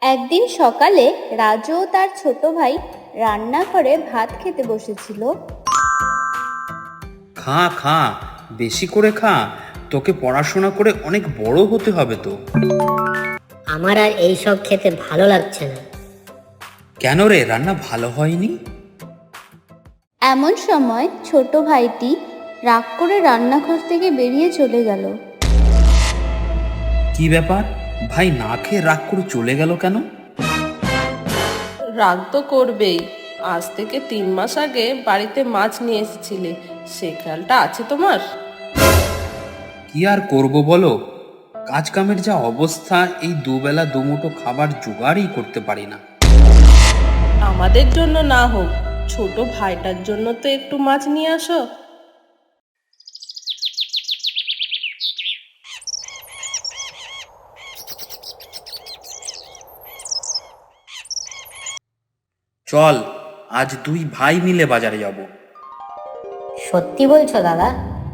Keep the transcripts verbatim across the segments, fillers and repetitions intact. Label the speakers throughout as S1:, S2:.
S1: একদিন সকালে রাজু ও তার ছোট ভাই রান্নাঘরে ভাত খেতে বসেছিল।
S2: খা খা, বেশি করে খা, তোকে পড়াশোনা করে অনেক বড় হতে হবে তো।
S3: আমার আর এইসব খেতে ভালো লাগছে না।
S2: কেন রে, রান্না ভালো হয়নি?
S1: এমন সময় ছোট ভাইটি রাগ করে রান্নাঘর থেকে বেরিয়ে চলে গেল।
S2: কি ব্যাপার, ভাই না খেয়ে রাগ করে চলে গেল কেন?
S4: রাগ তো করবেই। আজ থেকে তিন মাস আগে বাড়িতে মাছ নিয়ে এসেছিলে, সে খেয়ালটা আছে তোমার?
S2: কি আর করব বলো, কাজ কামের যা অবস্থা, এই দুবেলা দুমুঠো খাবার জোগাড়ই করতে পারি না।
S4: আমাদের জন্য না হোক, ছোট ভাইটার জন্য তো একটু মাছ নিয়ে আসো।
S2: চল, আজ দুই ভাই মিলে বাজারে যাব।
S3: সত্যি বলছো দাদা?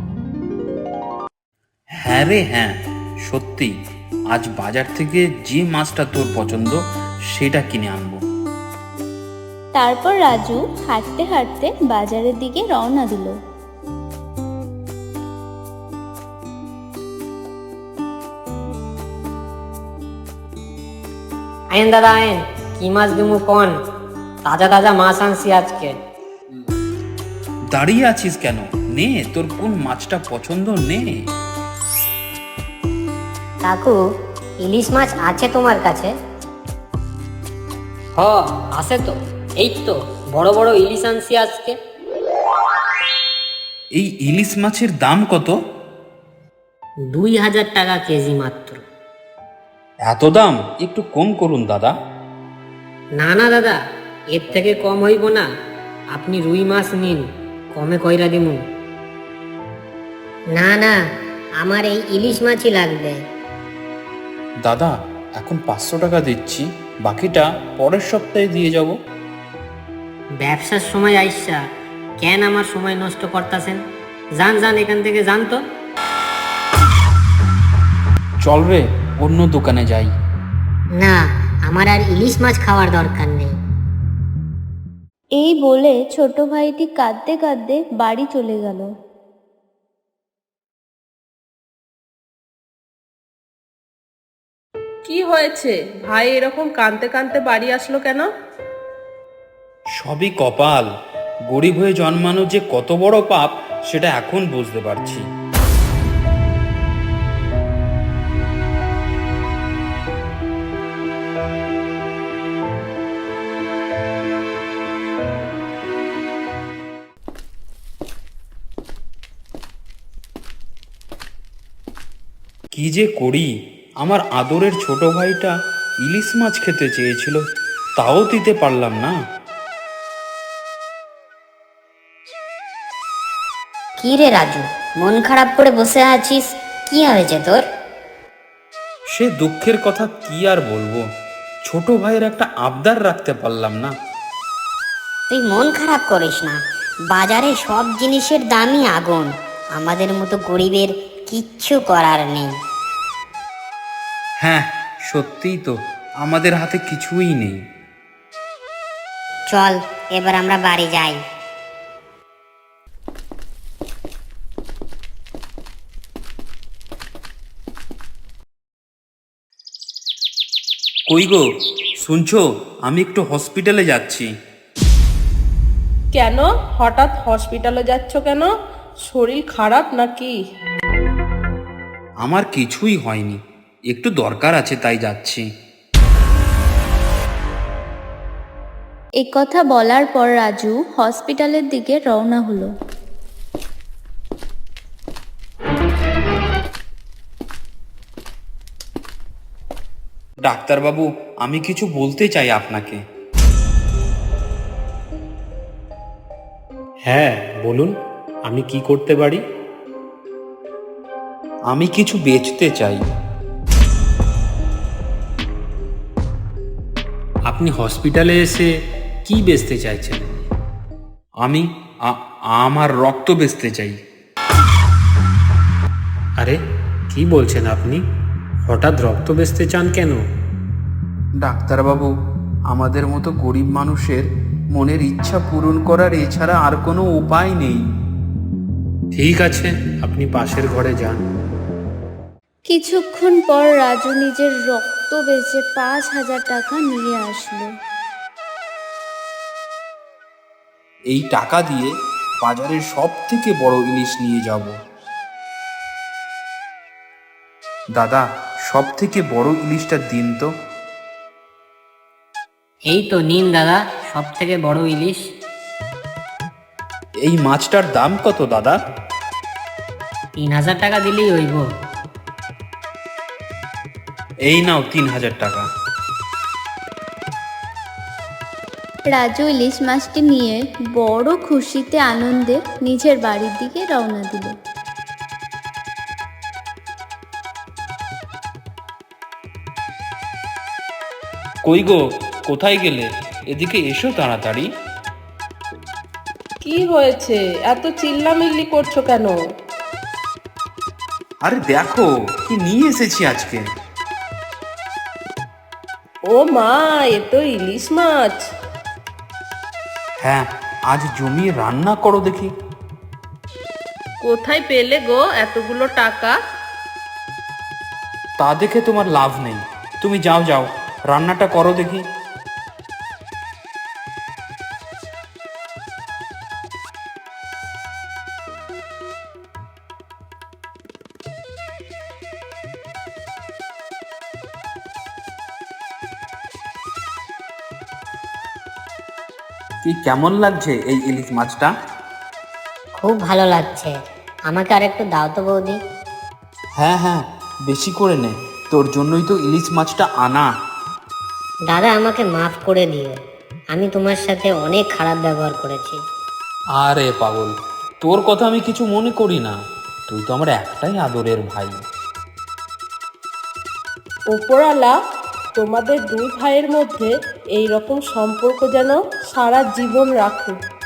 S2: হ্যাঁ রে হ্যাঁ, সত্যি। আজ বাজার থেকে যে মাছটা তোর পছন্দ সেটা কিনে আনবো।
S1: তারপর রাজু হাঁটতে হাঁটতে বাজারের দিকে রওনা দিল।
S3: আইন দাদা আইন, কি মাছ দিমু কোন? তাজা তাজা মাছ আনছি আজকে।
S2: দাঁড়িয়ে আছিস কেন? নে, তোর কোন মাছটা পছন্দ নে।
S3: কাকু, ইলিশ মাছ আছে তোমার কাছে? হ, আছে তো। এই তো বড় বড় ইলিশ আনছি আজকে।
S2: এই ইলিশ মাছের দাম কত?
S3: দুই হাজার টাকা কেজি মাত্র।
S2: এত দাম, একটু কম করুন দাদা।
S3: না না দাদা, এর থেকে কম হইব না। আপনি রুই মাছ নিন, কমে কইরা দিমু। না না, আমার এই ইলিশ মাছই লাগবে।
S2: দাদা, এখন পাঁচশো টাকা দিচ্ছি, বাকিটা পরের সপ্তাহে দিয়ে যাব।
S3: ব্যবসার সময় আইসা কেন আমার সময় নষ্ট করতেছেন? যান যান, এখান থেকে যান তো।
S2: চল রে, অন্য দোকানে যাই।
S3: না, আমার আর ইলিশ মাছ খাওয়ার দরকার নেই।
S1: এই বলে ছোট ভাইটি কাঁদতে কাঁদতে বাড়ি চলে গেল।
S4: কি হয়েছে ভাই, এরকম কাঁদতে কাঁদতে বাড়ি আসলো কেন?
S2: সবই কপাল। গরিব হয়ে জন্মানো যে কত বড় পাপ, সেটা এখন বুঝতে পারছি। কি যে করি, আমার আদরের ছোট ভাইটা ইলিশ মাছ খেতে চেয়েছিল, তাও দিতে পারলাম না।
S3: কি রে রাজু, মন খারাপ করে বসে আছিস? কি হয়েছে তোর?
S2: সে দুঃখের কথা কি আর বলবো, ছোট ভাইয়ের একটা আবদার রাখতে পারলাম না।
S3: তুই মন খারাপ করিস না, বাজারে সব জিনিসের দামই আগুন। আমাদের মতো গরিবের কিচ্ছু করার নেই।
S2: হ্যাঁ, সত্যিই তো, আমাদের হাতে কিছুই নেই।
S3: চল এবার আমরা বাড়ি যাই।
S2: কই গো, শুনছো? আমি একটু হসপিটালে যাচ্ছি।
S4: কেন হঠাৎ হসপিটালে যাচ্ছ কেন? শরীর খারাপ নাকি?
S2: আমার কিছুই হয়নি, একটু দরকার আছে তাই যাচ্ছি।
S1: এ কথা বলার পর রাজু হসপিটালের দিকে রওনা হলো।
S2: ডাক্তারবাবু, আমি কিছু বলতে চাই আপনাকে।
S5: হ্যাঁ বলুন, আমি কি করতে পারি?
S2: আমি কিছু বেচতে চাই।
S5: আপনি হসপিটালে এসে কি বেচতে চাইছেন?
S2: আমি আ- আমার রক্ত বেচতে চাই।
S5: আরে কি বলছেন আপনি? হঠাৎ রক্ত বেচতে চান কেন?
S2: ডাক্তারবাবু, আমাদের মতো গরিব মানুষের মনের ইচ্ছা পূরণ করার এছাড়া আর কোনো উপায় নেই।
S5: ঠিক আছে, আপনি পাশের ঘরে যান।
S1: কিছুক্ষণ পর রাজু নিজের রক্ত বেচে পাঁচ হাজার টাকা নিয়ে আসলো।
S2: এই টাকা দিয়ে বাজারের সব থেকে বড় ইলিশ নিয়ে যাব। দাদা, সব থেকে বড় ইলিশটা দিন তো।
S3: এই তো নিন দাদা, সব থেকে বড় ইলিশ।
S2: এই মাছটার দাম কত দাদা?
S3: তিন হাজার টাকা দিলেই হইব।
S2: এই নাও তিন হাজার টাকা।
S1: রাজু ইলিশ মাছটি নিয়ে বড় খুশিতে আনন্দে নিজের বাড়ির দিকে রওনা দিল।
S2: কই গো, কোথায় গেলে? এদিকে এসো তাড়াতাড়ি।
S4: কি হয়েছে, এত চিল্লামিল্লি করছো কেন?
S2: আরে দেখো কি নিয়ে এসেছি আজকে।
S4: ও মা, এ তো ইলিশ মাছ।
S2: হ্যাঁ, আজ জমিয়ে রান্না করো দেখি।
S4: কোথায় পেলে গো এতগুলো টাকা?
S2: তা দেখে তোমার লাভ নেই, তুমি যাও যাও, রান্নাটা করো দেখি। কি কেমন লাগছে এই ইলিশ মাছটা?
S3: খুব ভালো লাগছে, আমাকে আর একটু দাও তো বৌদি।
S2: হ্যাঁ হ্যাঁ, বেশি করে নে, তোর জন্যই তো ইলিশ মাছটা আনা।
S3: দাদা আমাকে মাফ করে দিও, আমি তোমার সাথে অনেক খারাপ ব্যবহার করেছি।
S2: আরে পাগল, তোর কথা আমি কিছু মনে করি না, তুই তো আমার একটাই আদরের ভাই।
S4: ওপরওয়ালা তোমাদের দুই ভাইয়ের মধ্যে এই রকম সম্পর্ক যেন সারা জীবন রাখুক।